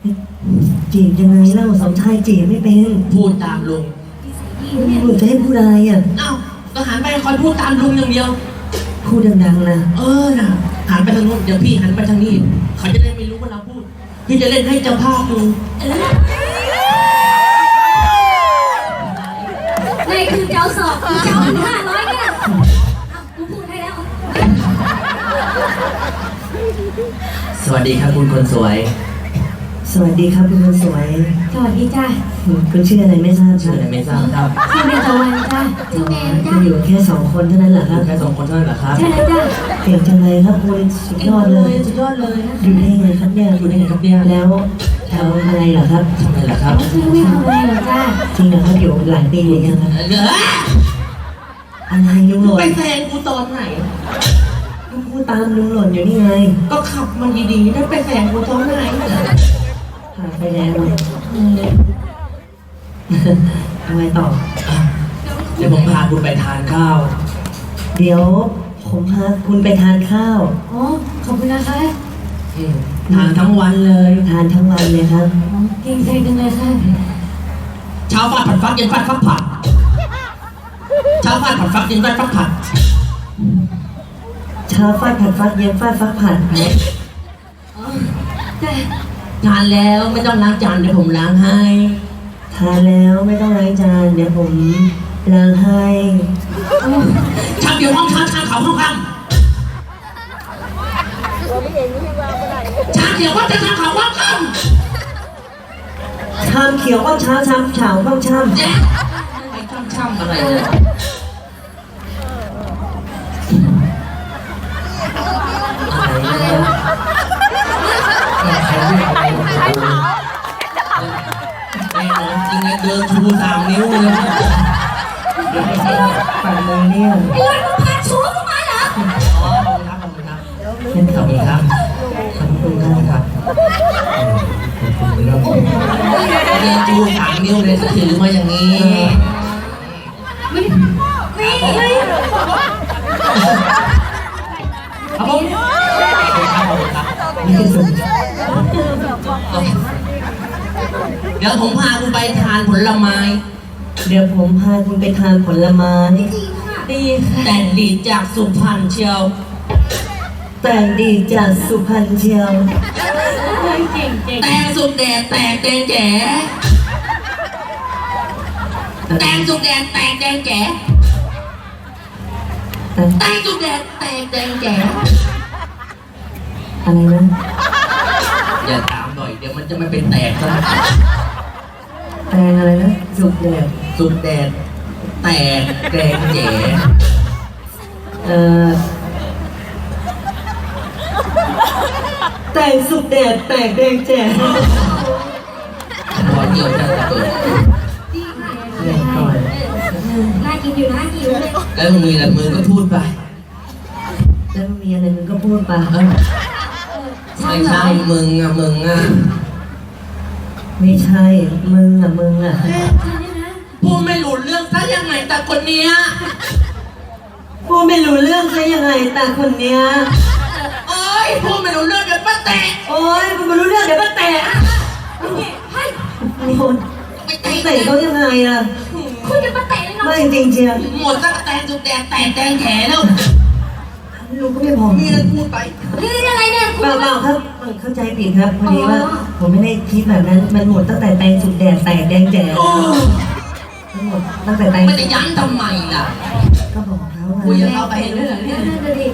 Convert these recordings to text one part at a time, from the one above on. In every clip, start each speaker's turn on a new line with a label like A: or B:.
A: จีบยังไงเล่าสมชายจีบไม่เป็น
B: พูดตามลุง
A: หนูจะให้พูดอะไรอ่ะ
B: เอ้าก็หันไปคอยพูดตามลุงอย่างเดียว
A: พูดดังๆนะ
B: น่ะหันไปทางโน้นเดี๋ยวพี่หันไปทางนี้เขาจะได้ไม่รู้ว่าเราพูดพี่จะเล่นให้เจ้าภาพดู
C: ในคือเจ้าสอบเจ้า500เนี่ยเอากูพูดให้แล้ว
B: สวัสดีครับคุณคนสวย
A: สวัสดีครับคุณคนสวย
C: สวัสดีจ้า
A: คุณชื่ออะไรไม่ทราบค
B: ชื่อ
A: รับ
B: อะไรไม่ทราบครับ
C: ชื่อเบญจวรรณจ้าชื่อแมว
A: จะ
C: จ้า
A: อยู่แค่2 คนเท่านั้นเหรอครับ
B: แค่2 คนเท่านั้นเหรอครับ
C: ใช่แล้วจ้า
A: เก่งจังเลยครับคุณสุดยอดเลย
B: สุดยอดเลย
A: อยู่ได้ไงครับเนี่ย
B: อยู่ได้ไงครับเนี่ย
A: แล้วทำอะไรเหรอครับ
B: ทำไมล่ะครับ
C: ชื่อไม่ทำอะไรหรอกจ้า
A: จริงเหรอครับอยู่หลายปีเลยนะครับ อะไรลุงหล่น
B: ไปแซงกูตอนไหน
A: ก็พูดตามลุงหล่นอยู่นี่ไง
B: ก็ขับมันดีๆได้ไปแซงกูตอนไหน
A: ผ่านไปแล้วทำไมต่อ
B: เดี๋ยวผมพาคุณไปทานข้าว
A: เดี๋ยวผมพาคุณไปทานข้าว
C: อ๋อขอบคุณนะคะ
B: ทานทั้งวันเลย
A: ทานทั้งวันเลยครับ
C: เก่งใจจังเลยค่ะ
B: เช้าฟาดผัดฟักเย็นฟาดฟักผัดเช้าฟาดผัดฟักเย็นฟาดฟักผัด
A: เช้าฟาดผัดฟักเย็นฟาดฟักผัด
C: อ๋อจ้า
B: ทานแล้วไม่ต้องล้างจานเดี๋ยวผมล้างให้
A: ทานแล้วไม่ต้องล้างจานเดี๋ยวผมล้างให้
B: ชามเดียวห้องชามเขาห้องคำชามเดียวว่าจะชามเขาห้องคำ
A: ชามเขียวก็เช้าชามเฉาก็ช่ำ
B: เจ๊ไอ้ช่ำอะไรเนี่ยอะไรเนี่ยใครเรียกอะไรของกูแน่นอนจริงนะเดินชู3 นิ้วเลย
A: ปั่นมือเนี่ย
C: ไอ้ร้อยมึงพาชูกูมาเหรอ
B: อ๋อขอบคุณครับขอบคุณครับ
A: เป็น
B: ขอบคุณครับ
A: ขอบคุณมากครับ
B: เดินชู3 นิ้วเลยถือมาอย่างนี้
C: นี่เฮ้ย
B: ครับผมขอบคุณครับ
A: นี่คือสุด
B: เดี๋ยวผมพาคุณไปทานผลไม้
A: เดี๋ยวผมพาคุณไปทานผลไม้
C: ดีค่ะ
B: แต่งดีจากสุพรรณเชียว
A: แต่งดีจากสุพรรณเชียว
C: เก่งเก่ง
B: แตงสุกแดดแตกแดงแจ๋แตงสุกแดดแตกแดงแจ๋แตงสุกแดดแตกแดงแจ๋
A: อะไรนะ
B: อย่าถามหน่อยเดี๋ยวมันจะไม่เป็นแตกซะ
A: แตงอะไรนะสุกแดด
B: สุกแดดแตกแดงแจ๋
A: แต่งสุกแดดแตกแดงแจ๋
B: พอเกี่ยวจะเปิด
C: ดีค่ะ
A: แรงก่อน
C: น่ากินอยู่น่ากินเลย
B: แล้วมือละมือก็พูดไป
A: แล้วมีอะไรมึงก็พูดไป
B: ไม่ใช่มึงอ่ะ
A: ไม่ใช่มึงอ่ะ
C: ใช่เนี่ยนะ
B: พูดไม่รู้เรื่องซะยังไงแต่คนเนี้ย
A: พูดไม่รู้เรื่องใช่ยังไงแต่คนเนี้ย
B: เอ้ยพูดไม่รู้เรื่องเดี๋ยวป้าแตะ
A: โอ๊ยพูดไม่รู้เรื่องเดี๋ยวก็แตะ
C: เฮ้ย
A: นี่คน
B: ไป
A: เตะ
B: เตะ
A: เขายังไงอ่ะ
C: คุณจะมาเตะเลยเนาะ
A: ไม่จริงเชียว
B: หมดตั้งแต่แตงสุกแดดแตกแดงแฉแล้ว
A: ลูกก็ไม่พอ
B: มีอะไรพูดไป
C: นี่อะไรเนี่ยคุณ
A: เปล่าครับเข้าใจผิดครับพอดีว่า ผมไม่ได้คิดแบบนั้นมันหมดตั้งแต่แตงสุกแดดแตกแดงแจ๋
B: โอ้
A: ทั้งหมดตั้งแต่แตง
B: ไม่จะยั้งทำไมล่ะ
A: ก็บอกเขา
B: คุย
A: ไง
B: กับเขาไปเรื่อย
C: เดี๋ยวเดี๋ยวดิ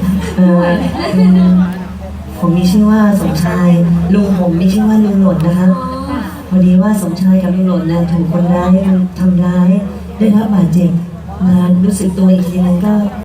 A: ผมมีชื่อว่าสมชายลุงผมมีชื่อว่าลุงหล่นนะครับ
C: อ๋อ
A: พอดีว่าสมชายกับลุงหล่นนะถูกคนร้ายทำร้ายได้รับบาดเจ็บมารู้สึกตัวอีกทีนึงก็